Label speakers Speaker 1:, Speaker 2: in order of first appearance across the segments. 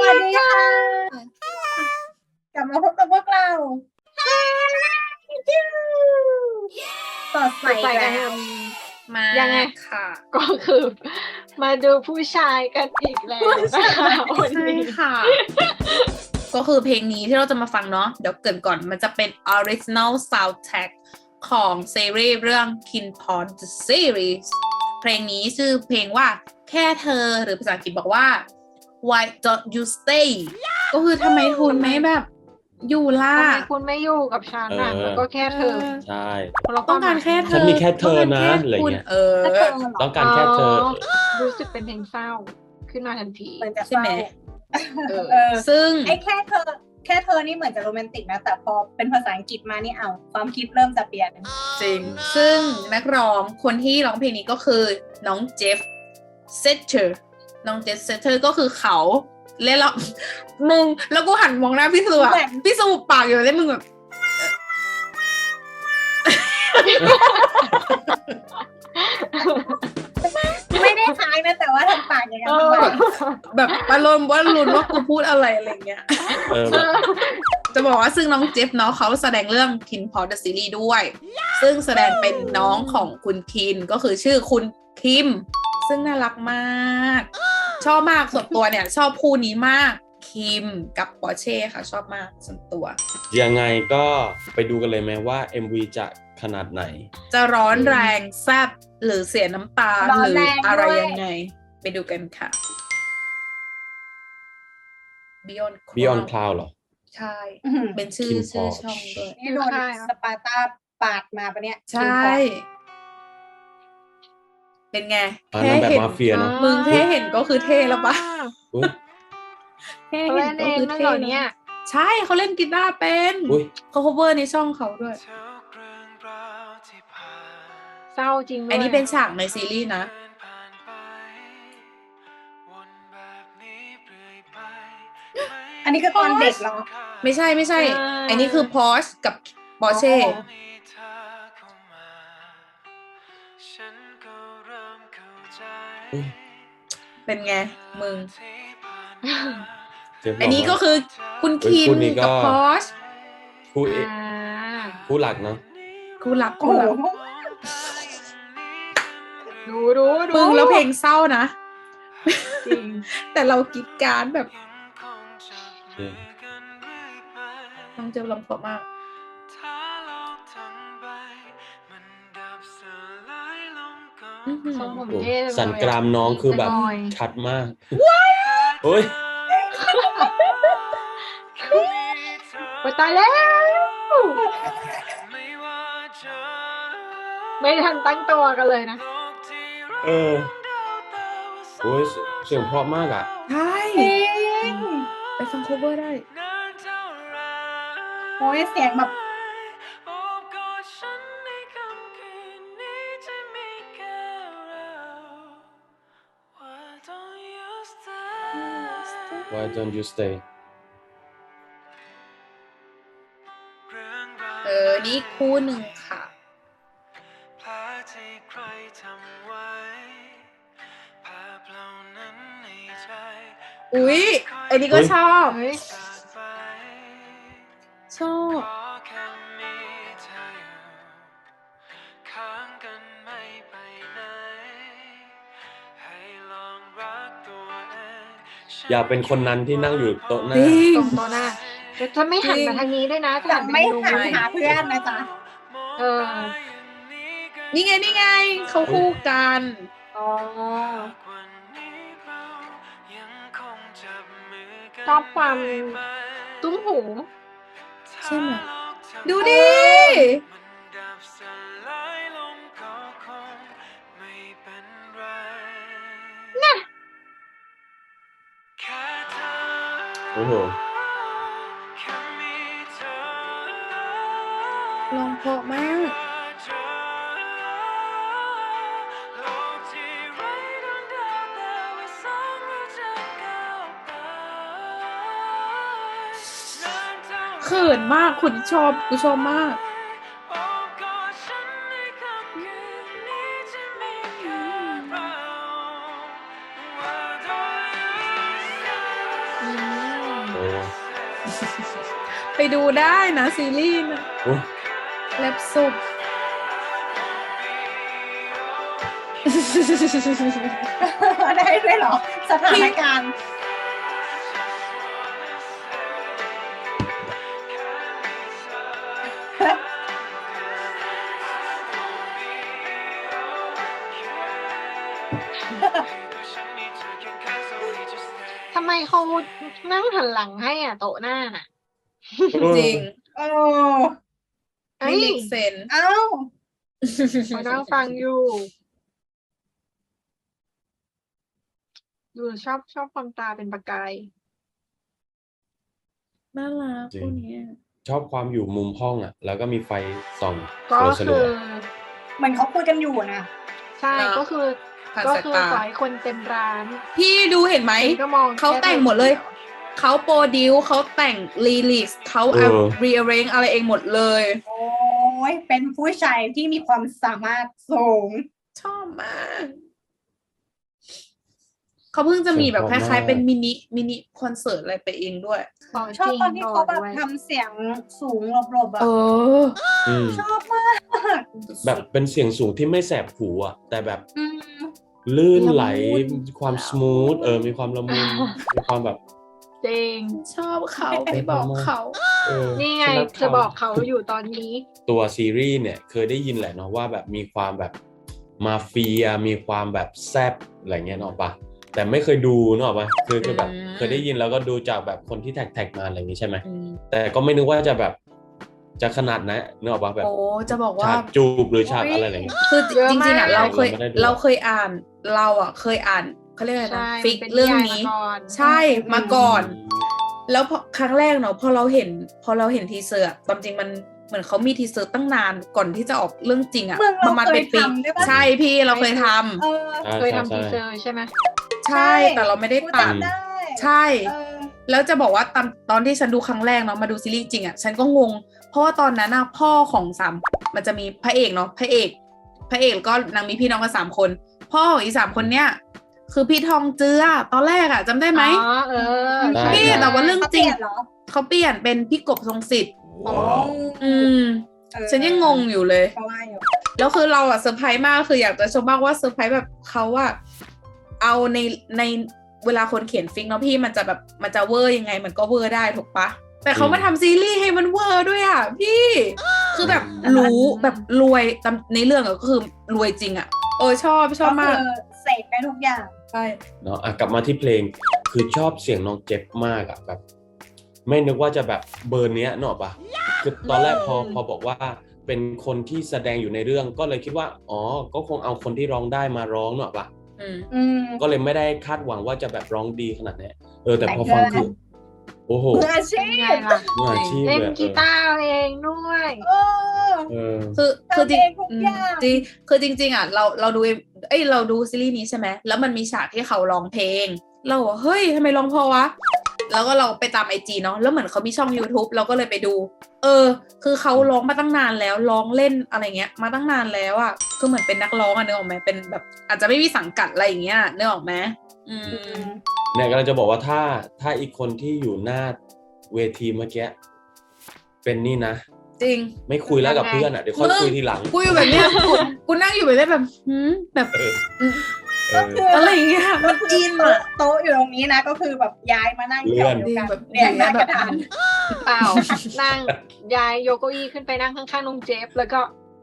Speaker 1: วัสดีค่ะกลับมาพบกับพวกเราสดใส
Speaker 2: ใส่
Speaker 1: แล้
Speaker 2: กัน
Speaker 1: ว
Speaker 3: มา
Speaker 2: ยังไง
Speaker 3: ค่ะ
Speaker 2: ก็คือมาดูผู้ชายกันอีกแล้วนะคะวัน
Speaker 3: ใช่
Speaker 2: นี้
Speaker 3: ค่ะ ก็คือเพลงนี้ที่เราจะมาฟังเนาะเดี๋ยวเกริ่นก่อนมันจะเป็น original soundtrack ของซีรีส์เรื่อง Kin Pawn the Series เพลงนี้ชื่อเพลงว่าแค่เธอหรือภาษาอังกฤษบอกว่า Why don't you stay ก็คือทำไมคุณไม่แบบอยู่ล่ะ
Speaker 2: ทำไมคุณไม่อยู่กับฉันน่ะแล้วก็แค่เธอ
Speaker 4: ใช่
Speaker 2: เรา
Speaker 3: ต้องการแค่เธอ
Speaker 4: ฉันมีแค่เธอนะ
Speaker 3: ต้งการแค่
Speaker 4: อะไร
Speaker 3: คุณ
Speaker 4: เงี้ย
Speaker 1: แค่เธอเหรอ
Speaker 4: ต้องการแค่เธอ
Speaker 2: รู้สึกเป็นเพลงเศร้าขึ้นมาทันที
Speaker 1: เหมือนจะ
Speaker 3: ใช่ไหม
Speaker 1: เออ
Speaker 3: ซึ่ง
Speaker 1: ไอ้แค่เธอนี่เหมือนจะโรแมนติกนะแต่พอเป็นภาษาอังกฤษมานี่เอาความคิดเริ่มจะเปลี่ยน
Speaker 3: จริง ซึ่งนักร้องคนที่ร้องเพลงนี้ก็คือน้องเจฟเซเตอร์น้องเจฟเซเตอร์ก็คือเขาเล่นแล้ว มึงแล้วกูหันมองหน้าพี่สุอะ
Speaker 1: แบบ
Speaker 3: พี่สุปากอยู่เล่นมึงแบบ
Speaker 1: ไม่ได้คล้ายนะแต่ว่าทำปากอย่างนั้น
Speaker 2: เอ
Speaker 1: ทำ
Speaker 2: อ
Speaker 1: ไม
Speaker 3: แบบอารมณ์ว่าลุ้นว่ากูพูดอะไรอะไรเงี้ย
Speaker 4: เออแบบ
Speaker 3: จะบอกว่าซึ่งน้องเจฟเนาะเขาแสดงเรื่อง Kin Paw the Series ด้วย ซึ่งแสดงเป็นน้องของคุณคินก็คือชื่อคุณคิม ซึ่งน่ารักมาก ชอบมากส่วนตัวเนี่ย ชอบคู่นี้มากคิมกับปอร์เช่ค่ะ ชอบมากส่วนตัว
Speaker 4: ยังไงก็ไปดูกันเลยไหมว่า MV จะขนาดไหน
Speaker 3: จะร้อนแรงแซ่บหรือเสียน้ำตา
Speaker 1: ร้อ
Speaker 3: ห
Speaker 1: น
Speaker 3: รือ
Speaker 1: แรง
Speaker 3: อะไร
Speaker 1: ด้วย
Speaker 3: ยังไง ไปดูกันค่ะ Beyond
Speaker 4: Beyond
Speaker 3: Cloud
Speaker 4: Cloud เหรอ
Speaker 3: ใช่
Speaker 1: อื้อหือ
Speaker 3: เป็นชื่อ
Speaker 4: Kim
Speaker 3: ชื่อ
Speaker 4: Porsche
Speaker 3: ช่องด้วย
Speaker 1: นี่โดนสปาร์ตาปาดมาปะเนี่ย
Speaker 3: ใช่ เป็นไง
Speaker 4: อ่า
Speaker 3: แค่
Speaker 4: นางแบบ
Speaker 3: เห็น
Speaker 4: มาเฟียเนอะ
Speaker 3: มึงแค่เห็นก็คือเท่แล้วปะ
Speaker 4: อุ๊ย
Speaker 3: แค่
Speaker 2: เขา
Speaker 3: เห็
Speaker 2: เล่
Speaker 3: น
Speaker 2: น
Speaker 3: ก็
Speaker 2: เอง
Speaker 3: คือ
Speaker 2: นั่น
Speaker 3: เท่
Speaker 2: เหรอ
Speaker 3: แล้ว
Speaker 2: เนี่ย
Speaker 3: ใช่เขาเล่นกีตาร์เป็น
Speaker 4: อุ๊ย
Speaker 3: เขา cover ในช่องเขาด้วย
Speaker 2: เศร้าจริงด้วย
Speaker 3: อันนี้เป็นฉากในซีรีส์นะ
Speaker 1: อันนี้คือตอนเด็กเหรอ
Speaker 3: ไม่ใช่ไม่ใช่ อันนี้คือพอชกับปอร์เช่
Speaker 1: อ๋อ
Speaker 4: อุ๊ย
Speaker 3: เป็นไง มึง
Speaker 4: เจ็บหร
Speaker 3: อันนี้ก็คือคุณ
Speaker 4: เฮ้ย
Speaker 3: คิม
Speaker 4: คู่นี้ก็
Speaker 3: กับพอช
Speaker 4: คู่เอ
Speaker 2: อ่า
Speaker 4: คู่หลักเนาะ
Speaker 3: คู่รัก
Speaker 1: โอ้
Speaker 3: คู่
Speaker 1: โห
Speaker 3: รัก
Speaker 2: ดู
Speaker 3: มึงแล้วเพลงเศร้านะ
Speaker 2: จริง
Speaker 3: แต่เรากรีดกรารแบบ
Speaker 4: จริง
Speaker 3: น้องเจอลำเพราะมาก อื้อหือ
Speaker 2: ทรงผม
Speaker 4: โอ้
Speaker 2: เท่จังเลย
Speaker 4: สันกรามน้องคือแบบ
Speaker 2: จะงอย
Speaker 4: ชัดมากโอ้ย
Speaker 2: โอ๊ยตายแล้ว ไม่ทันตั้งตัวกันเลยนะ
Speaker 4: เออโอ้ยเสียงเพราะมากอ่ะ
Speaker 3: ใช่
Speaker 1: จริง
Speaker 3: ไปฟัง cover ได้
Speaker 1: โอ้ยเสียงแบบ
Speaker 4: Why don't you stay
Speaker 3: นี่คู่หนึ่งค่ะ อุ๊ย อันนี้ก็
Speaker 4: อุ๊ย
Speaker 3: ชอบ
Speaker 2: เฮ้ย
Speaker 3: ชอบ
Speaker 4: อย่าเป็นคนนั้นที่นั่งอยู่โต๊ะหน้า
Speaker 3: จริง
Speaker 2: ตรงโต๊ะหน้าจะไม่หันมาทางนี้ด้วยนะ
Speaker 1: จะไม่
Speaker 2: ดู
Speaker 1: หันหาเพื่อนนะจ๊ะ
Speaker 2: เออ
Speaker 3: นี่ไง นี่ไง เขาคู่กัน
Speaker 1: อ๋อ
Speaker 2: ชอบความตุ้มหู
Speaker 3: ใช่ไหม ดูดิ
Speaker 4: โอ้โห
Speaker 3: ลองเพราะมาก เขินมากคุณชอบ กูชอบมาก
Speaker 2: อืม
Speaker 3: ไปดูได้นะซีรีส์นะ
Speaker 4: โอ้ย
Speaker 3: แลบสุก
Speaker 1: ได้ด้วยเหรอ สถานการณ์
Speaker 2: ทำไมเขานั่งหันหลังให้อ่ะโต๊ะหน้าน่ะ
Speaker 3: จริง
Speaker 1: โอ้
Speaker 2: เอ้
Speaker 3: ไม่
Speaker 2: ย
Speaker 3: เล็กเซน
Speaker 1: เอ้า
Speaker 2: เขานั่งฟังอยู่ดูชอบความตาเป็นประกาย
Speaker 3: น่ารัก
Speaker 4: จริง
Speaker 3: คู่เนี้ย
Speaker 4: ชอบความอยู่มุมห้องอ่ะ แล้วก็มีไฟส่อง
Speaker 2: ก็
Speaker 4: สลั
Speaker 2: คื
Speaker 4: ว
Speaker 2: อ
Speaker 1: เหมือนเขาคุยกันอยู่นะ
Speaker 2: ใช่ก็คือ
Speaker 3: ผ่าน
Speaker 2: ก็
Speaker 3: สาย
Speaker 2: คือ
Speaker 3: ตา
Speaker 2: ปล่อยคนเต็มร้าน
Speaker 3: พี่ดูเห็นไหม
Speaker 2: ฉันก็มอง
Speaker 3: เขาแต่งหมดเลย เขาโปรดิวเขาแต่งรีลิสเขาเอารีเรนอะไรเองหมดเลย
Speaker 1: โอ้ยเป็นผู้ชายที่มีความสามารถสูง
Speaker 3: ชอบมาก เขาเพิ่งจะมีแบบคล้ายๆเป็นมินิคอนเสิร์ตอะไรไปเองด้วย
Speaker 1: ชอบตอนที่เขาแบบทำเสียงสูงหลบๆแบบ
Speaker 4: อืม
Speaker 1: ชอบมาก
Speaker 4: แบบเป็นเสียงสูงที่ไม่แสบหูอ่ะ แต่แบบ
Speaker 1: อืม
Speaker 4: ลื่นไหล
Speaker 3: ละมุน
Speaker 4: มีความสมูทมีความละมุนมีความแบบ
Speaker 2: จริง
Speaker 3: ชอบเขาไปบอกเขา
Speaker 2: นี่ไง
Speaker 4: ฉัรั
Speaker 2: จะบอกเขาอยู่ตอนนี้
Speaker 4: ตัวซีรีส์เนี่ยเคยได้ยินแหละเนาะว่าแบบมีความแบบมาเฟียมีความแบบแซบอะไรเงี้ยเนาะปะแต่ไม่เคยดูเนาะปะคือแบบเคยได้ยินแล้วก็ดูจากแบบคนที่แท็กมาอะไรอย่างงี้ใช่ไหม
Speaker 3: อืม
Speaker 4: แต่ก็ไม่นึกว่าจะแบบจะขนาดนั้นเนาะปะแบบ
Speaker 3: โอ้จะบอกว่า
Speaker 4: ฉากจูบหรือฉากอะไรอย่างเงี้ย
Speaker 3: คือ
Speaker 2: เยอะ
Speaker 3: จริงๆอ่ะ
Speaker 2: มาก
Speaker 3: เราเคย
Speaker 4: เราไม่ได้ดู
Speaker 3: เราเคยอ่านเคยอ่านเขาเรียกอะไร
Speaker 2: ใช่
Speaker 3: นะฟิก
Speaker 2: เป็น
Speaker 3: เรื่อง
Speaker 2: นิยาย
Speaker 3: นี้
Speaker 2: มาก่อน
Speaker 3: ใช่มาก่อน แล้วพอครั้งแรกเนาะพอเราเห็นทีเซอร์อะตามจริงมันเหมือนเขามีทีเซอร์ตั้งนานก่อนที่จะออกเรื่องจริงอะ
Speaker 1: เมือง
Speaker 3: ป
Speaker 1: เรา
Speaker 3: ระมาณ
Speaker 1: เค
Speaker 3: เป็
Speaker 1: ย
Speaker 3: นปี
Speaker 1: ทำด้วยปะ
Speaker 3: ใช่พี่เราเคยทำ
Speaker 1: เออ
Speaker 2: เคยทำทีเซอร์ใช่ไหม
Speaker 3: ใช่แต่เราไม่ได้
Speaker 1: กู
Speaker 3: ตัด
Speaker 1: จำได้
Speaker 3: ใช่
Speaker 1: เออ
Speaker 3: แล้วจะบอกว่าตอนที่ฉันดูครั้งแรกเนาะมาดูซีรีส์จริงอะฉันก็งง เพราะว่าตอนนั้นอะพ่อของมันจะมีพระเอกเนาะพระเอกก็นางมีพี่น้องกัน3 คน พ่อของอี3 คนเนี้ยคือพี่ทองเจือตอนแรกอะจำได้ไหม
Speaker 2: อ๋อใช่
Speaker 3: พี่แต่ว่าเรื่อง
Speaker 1: เขา
Speaker 3: จ
Speaker 1: เป
Speaker 3: ริง
Speaker 1: ลี่ยนเหรอ
Speaker 3: เขาเปลี่ยนเป็นพี่กบทรงสิทธิ์
Speaker 1: อ๋อ
Speaker 3: อืม
Speaker 1: เออ
Speaker 3: ฉันยังงงอยู่เลย
Speaker 1: เพราะว่าอยู่
Speaker 3: แล้วคือเราอะเซอร์ไพรส์มากคืออยากจะชมมากว่าเซอร์ไพรส์แบบเขาอะเอาในเวลาคนเขียนฟิกเนาะพี่มันจะเวอร์ยังไงมันก็เวอร์ได้ถูกปะแต่เขามาทำซีรีส์ให้มันเวอร์ด้วยอะพี่คือแบบรู้แบบรวยตามในเรื่องอะก็คือรวยจริงอะชอบ
Speaker 1: ก็
Speaker 3: มาก
Speaker 1: คือเสกได้ทุกอย่าง
Speaker 3: ใช่
Speaker 4: เนาะกลับมาที่เพลงคือชอบเสียงน้องเจ็บมากอะแบบ ไม่นึกว่าจะแบบเบอร์เนี้ยเนาะปะคือตอนแรกพอบอกว่าเป็นคนที่แสดงอยู่ในเรื่องก็เลยคิดว่าอ๋อก็คงเอาคนที่ร้องได้มาร้องเนาะปะ
Speaker 1: อืม
Speaker 4: ก็เลยไม่ได้คาดหวังว่าจะแบบร้องดีขนาดนี้แต่พอฟังคือโอ้โห
Speaker 1: มืออาชี
Speaker 2: เป็นไง
Speaker 1: พ
Speaker 2: ล่ะ
Speaker 4: มืออาชีพ
Speaker 2: เล่น
Speaker 4: เลย
Speaker 2: กีตาร์เองด้วย
Speaker 1: เออ
Speaker 4: เออ
Speaker 3: คือจริง
Speaker 1: ทำเองทุกอย่าง
Speaker 3: จริงคือจริงๆอะเราดูเราดูซีรีส์นี้ใช่ไหมแล้วมันมีฉากที่เขาร้องเพลง เราบอกเฮ้ยทำไมร้องเพอวะแล้วก็เราไปตามIGเนาะแล้วเหมือนเขามีช่อง YouTube เราก็เลยไปดู คือเขาร้องมาตั้งนานแล้วร้องเล่นอะไรเงี้ยมาตั้งนานแล้วอะคือเหมือนเป็นนักร้องอะนึกออกไหมเป็นแบบอาจจะไม่มีสังกัดอะไรอย่างเงี้ยนึกออกไหม
Speaker 4: เนี่ยก็เลยจะบอกว่าถ้าอีกคนที่อยู่หน้าเวทีเมื่อกี้เป็นนี่นะ
Speaker 3: จริง
Speaker 4: ไม่คุยแล้วกับเพื่อนอ่ะเดี๋ยวค่อยคุยทีหลัง
Speaker 3: กูอยู่แบบเนี้ยกูนั่งอยู่แบบเนี้ยแบบแบบ
Speaker 1: ก็คือ
Speaker 3: อะไรอย่างเงี้ยมันอินอะ
Speaker 1: โต๊ะอยู่ตรงนี้นะก็คือแบบย้ายมานั่งแถวเดียวกัน
Speaker 3: แบบ
Speaker 1: เรียงหน้ากระดาน
Speaker 2: เปล่า นั่งย้ายโยโกอี้ขึ้นไปนั่งข้างๆน้องเจฟแล้วก็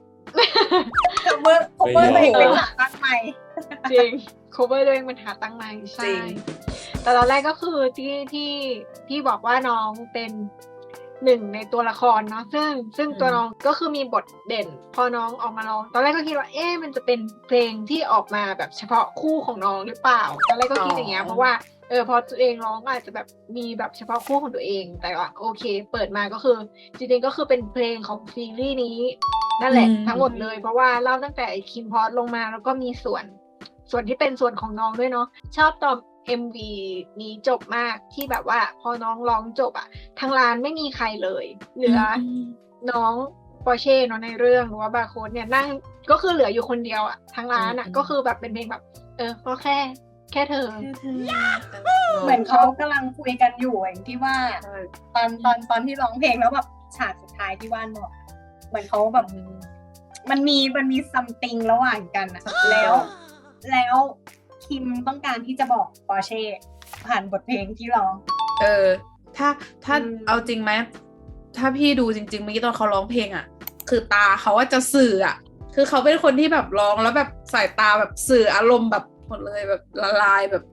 Speaker 1: cover ตัวเองเป็นหลักตั้งใหม่
Speaker 2: จริง cover ตัวเองมันหาตั้งในใช่
Speaker 3: จริง
Speaker 2: แต่ตอนแรกก็คือที่บอกว่าน้องเป็นหนึ่งในตัวละครเนาะซึ่งตัวน้องก็คือมีบทเด่น พอน้องออกมาร้องตอนแรกก็คิดว่ามันจะเป็นเพลงที่ออกมาแบบเฉพาะคู่ของน้องหรือเปล่าตอนแรกก็คิดอย่างเงี้ยเพราะว่าพอตัวเองร้องก็อาจจะแบบมีแบบเฉพาะคู่ของตัวเองแต่ว่าโอเค เปิดมาก็คือจริงๆก็คือเป็นเพลงของซีรีส์นี้นั่นแหละทั้งหมดเลยเพราะว่าเล่าตั้งแต่คิมพอสลงมาแล้วก็มีส่วนที่เป็นส่วนของน้องด้วยเนาะชอบตอน MV นี้จบมากที่แบบว่าพอน้องร้องจบอะทางร้านไม่มีใครเลยเหลือน้องปอร์เช่เนาะในเรื่องหรือว่าบาร์โค้ดเนี่ยนั่งก็คือเหลืออยู่คนเดียวอะทางร้านอะก็คือแบบเป็นเพลงแบบก็แค่เธอ
Speaker 1: เหมือนเขากำลังคุยกันอยู่อย่างที่ว่า ตอนที่ร้องเพลงแล้วแบบฉากสุดท้ายที่ว่านบอกเหมือนเขาแบบมันมีซัมติงระหว่างกันอะแล้วคิมต้องการที่จะบอกปอร์เช่ผ่านบทเพลงที่ร้อง
Speaker 3: ถ้าเอาจริงไหมถ้าพี่ดูจริงๆเมื่อกี้ตอนเขาร้องเพลงอ่ะคือตาเขาว่าจะสื่ออ่ะคือเขาเป็นคนที่แบบร้องแล้วแบบสายตาแบบสื่ออารมณ์แบบหมดเลยแบบละลายแบบ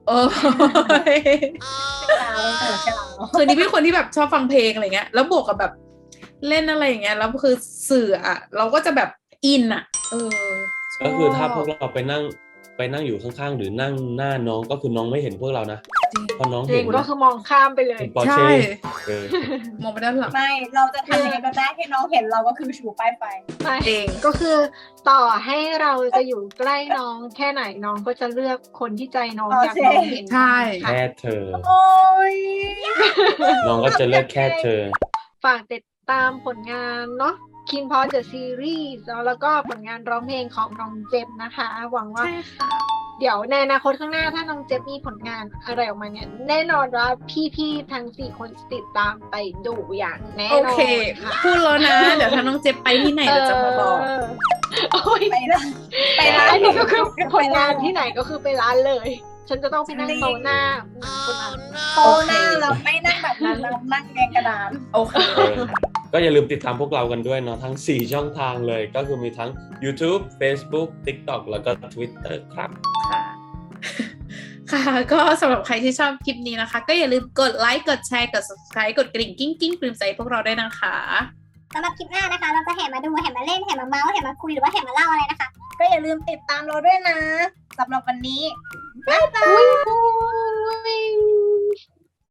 Speaker 3: คือนี่เป็นคนที่แบบชอบฟังเพลงอะไรเงี้ยแล้วบวกกับแบบเล่นอะไรอย่างเงี้ยแล้วคือสื่ออ่ะเราก็จะแบบอินอ่ะ
Speaker 4: ก็คือถ้าพวกเราไปนั่งอยู่ข้างๆหรือนั่งหน้าน้องก็คือน้องไม่เห็นพวกเรานะพอน้อง
Speaker 2: จริ
Speaker 4: เห็
Speaker 2: ง
Speaker 4: น
Speaker 2: ก็คือมองข้ามไปเลย
Speaker 4: ปอร์เช่
Speaker 3: มองไปด้านหลัง
Speaker 1: ไม่เราจะทำยังไงก็ได้ให้น้องเห็นเราก็คือชูป้ายไฟ
Speaker 2: ไม่
Speaker 3: เอง
Speaker 2: ก็คือต่อให้เราจะอยู่ใกล้น้องแค่ไหนน้องก็จะเลือกคนที่ใจน้องอยากน้องเห็น
Speaker 3: ใช่
Speaker 4: แค่เธอ
Speaker 1: โอ้ย
Speaker 4: น้องก็จะเลือกแค่เธอ
Speaker 2: ฝากติดตามผลงานเนาะ Kin Pod The Series แล้วก็ผลงานร้องเพลงของน้องเจมนะคะ หวังว่า
Speaker 3: ใช่ค่ะ
Speaker 2: เดี๋ยวในอนาคตข้างหน้าถ้าน้องเจฟมีผลงานอะไรออกมาเนี่ยแน่นอนว่าพี่ๆทั้ง4คนจะติดตามไปดูอย่างแน่
Speaker 3: โอน
Speaker 2: อน
Speaker 3: เค
Speaker 2: ค่ะ
Speaker 3: พูดแล้วนะ เดี๋ยวถ้าน้องเจ็บไปที่ไหนเราจะมาบอก
Speaker 2: โอ้ย
Speaker 1: ไปร้าน
Speaker 2: อันนี้ก็คือผลงานที่ไหนก็คือไปร้านเลย ฉันจะต้องไปนั่งโต๊ะหน้าคนนั้น
Speaker 1: โตหน้าเราไม่นั่งแบบนั้นเรานั่งแกงกระดาน
Speaker 3: โอเค
Speaker 4: ก็อย่าลืมติดตามพวกเรากันด้วยเนาะทั้ง 4 ช่องทางเลยก็คือมีทั้ง YouTube Facebook TikTok แล้วก็ Twitter ครับ
Speaker 3: ค่ะ ค่ะ ก็สำหรับใครที่ชอบคลิปนี้นะคะ ก็อย่าลืมกดไลค์ กดแชร์ กด subscribe กดกริ่งกิ้งกิ้งปลื้มใจพวกเราด้วยนะคะ
Speaker 5: สำหรับคลิปหน้านะคะ เราจะแห่มาดูแห่มาเล่นแห่มาเมาส์แห่มาคุยหรือว่าแห่มาเล่าอะไรนะคะ
Speaker 1: ก็อย่าลืมติดตามเราด้วยนะสำหรับวันนี้
Speaker 2: อุ้ย